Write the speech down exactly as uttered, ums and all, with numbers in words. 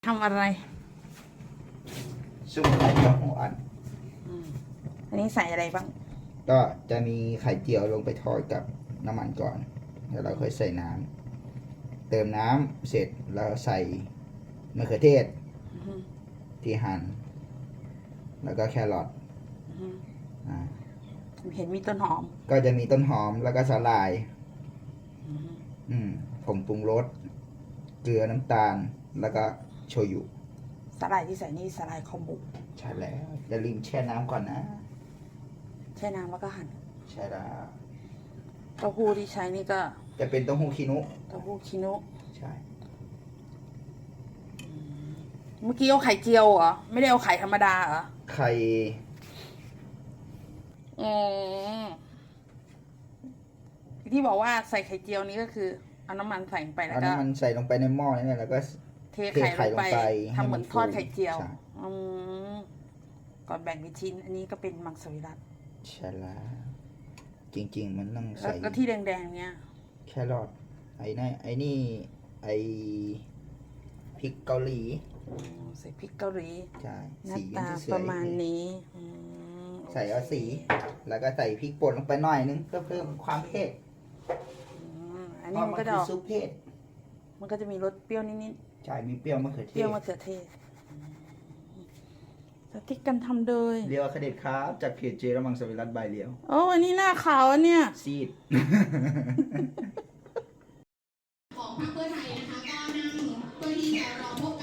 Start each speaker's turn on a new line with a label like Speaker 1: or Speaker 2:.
Speaker 1: ทำอะไร
Speaker 2: ซุปไข่เจียวหัวอัน
Speaker 1: อันนี้ใส่อะไรบ้าง
Speaker 2: ก็จะมีไข่เจียวลงไปทอดกับน้ำมันก่อนแล้วเราค่อยใส่น้ำเติมน้ำเสร็จแล้วใส่มะเขือเทศที่หั่นแล้วก็แครอทอ่า
Speaker 1: เห็นมีต้นหอม
Speaker 2: ก็จะมีต้นหอมแล้วก็สาหร่ายอืมผงปรุงรสเกลือน้ำตาลแล้วก็โชยุ
Speaker 1: สาหร่ายที่ใส่นี่สาหร่ายคอมบุ
Speaker 2: ใช่แล้วอย่าลืมแช่น้ำก่อนนะ
Speaker 1: แช่น้ำแล้วก็หั่น
Speaker 2: ใช่แล้ว
Speaker 1: เต้าหู้ที่ใช้นี่ก็
Speaker 2: จะเป็นเต้าหู้คินุ
Speaker 1: เต้าหู้คินุ
Speaker 2: ใช่
Speaker 1: เมื่อกี้เอาไข่เจียวเหรอไม่ได้เอาไข่ธรรมดาเหรอ
Speaker 2: ไข่
Speaker 1: อืมที่บอกว่าใส่ไข่เจียวนี้ก็คือเอาน้ำมันใส่ลงไปแล้วก็
Speaker 2: เอาน้ำมันใส่ลงไปในหม้อนี่แหละแล้วก็
Speaker 1: เทไข่ลงไปทำเหมือนทอดไข่เจียวอืมก่อนแบ่งเป็นชิ้นอันนี้ก็เป็นมังสวิรัติ
Speaker 2: ใช่แล้วจริงๆมันต้องใส่
Speaker 1: แล้วที่แดงๆเนี้ย
Speaker 2: แครอทไอ้นี่ไอ้นี่ไอ้พริกเกาหลี
Speaker 1: ใส่พริกเกาหลี
Speaker 2: ใช่
Speaker 1: หน้าตาประมาณนี้
Speaker 2: ใส่เอาสีแล้วก็ใส่พริกป่นลงไปหน่อยนึงเพื่อเพิ่มความเผ็ด
Speaker 1: อันนี้มันก็จะ
Speaker 2: ซุปเผ็ด
Speaker 1: มันก็จะมีรสเปรี้ยวนิด
Speaker 2: ๆใช่มีเปรี้ยวมะเขือเทศ
Speaker 1: เปรี้ยวมะเขือเทศสาธิตกันทำโดย
Speaker 2: เรียวคเดชครับจากเพจเจระมังสวิรัตใบเลียว
Speaker 1: โอ้อันนี้หน้าขาวอันเนี้ย
Speaker 2: ซีด
Speaker 3: ของพรรคเพื่อไทยนะคะก็นั่งเพื่อที่จะรอพบ